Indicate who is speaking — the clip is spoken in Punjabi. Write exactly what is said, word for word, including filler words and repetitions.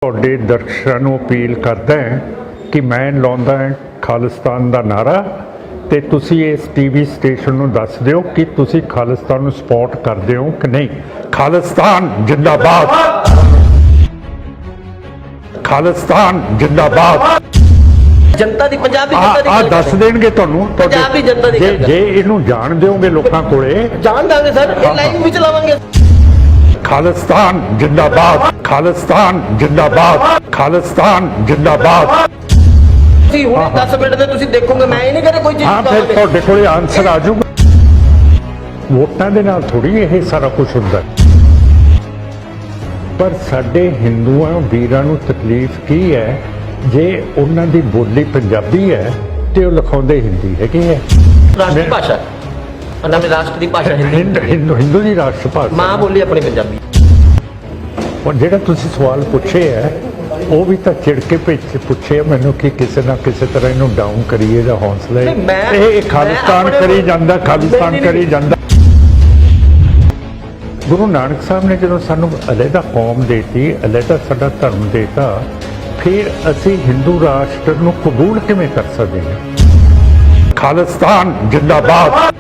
Speaker 1: ਤੁਹਾਡੇ ਦਰਸ਼ਕਾਂ ਨੂੰ ਅਪੀਲ ਕਰਦਾ ਹਾਂ ਕਿ ਮੈਂ ਲਾਉਂਦਾ ਹਾਂ ਖਾਲਿਸਤਾਨ ਦਾ ਨਾਰਾ ਤੇ ਤੁਸੀਂ ਇਸ ਟੀਵੀ ਸਟੇਸ਼ਨ ਨੂੰ ਦੱਸ ਦਿਓ ਕਿ ਤੁਸੀਂ ਖਾਲਿਸਤਾਨ ਨੂੰ ਸਪੋਰਟ ਕਰਦੇ ਹੋ ਕਿ ਨਹੀਂ। ਖਾਲਿਸਤਾਨ ਜਿੰਦਾਬਾਦ, ਖਾਲਿਸਤਾਨ ਜਿੰਦਾਬਾਦ।
Speaker 2: जनता दी पंजाबी जनता दी
Speaker 1: ਆ ਦੱਸ ਦੇਣਗੇ ਤੁਹਾਨੂੰ।
Speaker 2: पंजाबी जनता दी
Speaker 1: ਜੇ
Speaker 2: गल
Speaker 1: ਜੇ ਇਹਨੂੰ ਜਾਣ ਦਿਓਗੇ ਲੋਕਾਂ ਕੋਲੇ।
Speaker 2: जान दांगे सर, ये लाइव भी चलावांगे।
Speaker 1: ਖਾਲਿਸਤਾਨ ਜਿੰਦਾਬਾਦ, ਖਾਲਿਸਤਾਨ ਜਿੰਦਾਬਾਦ, ਖਾਲਿਸਤਾਨ ਜਿੰਦਾਬਾਦ।
Speaker 2: ਤੁਸੀਂ ਹੁਣੇ ਦਸ ਮਿੰਟ ਦੇ ਤੁਸੀਂ ਦੇਖੋਗੇ, ਮੈਂ ਇਹ ਨਹੀਂ ਕਹਿੰਦਾ ਕੋਈ ਚੀਜ਼
Speaker 1: ਹਾਂ ਫਿਰ
Speaker 2: ਚਲਾਵਾਂਗੇ।
Speaker 1: ਤੁਹਾਡੇ ਕੋਲੇ ਆਨਸਰ ਆ ਜਾਊਗਾ। ਵੋਟਾਂ ਦੇ ਨਾਲ ਥੋੜੀ ਇਹ ਸਾਰਾ ਕੁਝ ਹੁੰਦਾ, ਪਰ ਸਾਡੇ ਹਿੰਦੂਆਂ ਵੀਰਾਂ ਨੂੰ ਤਕਲੀਫ ਕੀ ਹੈ ਜੇ ਉਹਨਾਂ ਦੀ ਬੋਲੀ ਪੰਜਾਬੀ ਹੈ ਤੇ ਉਹ ਲਿਖਾਉਂਦੇ ਹਿੰਦੀ ਹੈਗੇ ਹੈ।
Speaker 2: ਰਾਸ਼ਟਰੀ ਭਾਸ਼ਾ ਉਹਨਾਂ ਦੀ ਰਾਸ਼ਟਰੀ ਭਾਸ਼ਾ ਹਿੰਦੀ,
Speaker 1: ਹਿੰਦ ਹਿੰਦੂ ਹਿੰਦੂ ਦੀ ਰਾਸ਼ਟਰ ਭਾਸ਼ਾ।
Speaker 2: ਮਾਂ ਬੋਲੀ ਆਪਣੀ ਪੰਜਾਬੀ।
Speaker 1: ਔਰ ਜਿਹੜਾ ਤੁਸੀਂ ਸਵਾਲ ਪੁੱਛੇ ਹੈ ਉਹ ਵੀ ਤਾਂ ਚਿੜ ਕੇ ਪਿੱਛੇ ਪੁੱਛੇ ਮੈਨੂੰ ਕਿ ਕਿਸੇ ਨਾ ਕਿਸੇ ਤਰ੍ਹਾਂ ਇਹਨੂੰ ਡਾਊਨ ਕਰੀਏ ਜਾਂ ਹੌਸਲਾ
Speaker 2: ਨਹੀਂ, ਮੈਂ-
Speaker 1: ਇਹ ਇਹ ਖਾਲਿਸਤਾਨ
Speaker 2: ਮੈਂ ਆਪਣੇ-
Speaker 1: ਕਰੀ ਜਾਂਦਾ, ਖਾਲਿਸਤਾਨ
Speaker 2: ਨਹੀਂ, ਨਹੀਂ,
Speaker 1: ਕਰੀ ਜਾਂਦਾ। ਗੁਰੂ ਨਾਨਕ ਸਾਹਿਬ ਨੇ ਜਦੋਂ ਸਾਨੂੰ ਅਲੱਗਾ ਕੌਮ ਦੇਤੀ, ਅਲੱਗਾ ਸਾਡਾ ਧਰਮ ਦੇਤਾ, ਫਿਰ ਅਸੀਂ ਹਿੰਦੂ ਰਾਸ਼ਟਰ ਨੂੰ ਕਬੂਲ ਕਿਵੇਂ ਕਰ ਸਕਦੇ ਹਾਂ। ਖਾਲਿਸਤਾਨ ਜਿੰਦਾਬਾਦ।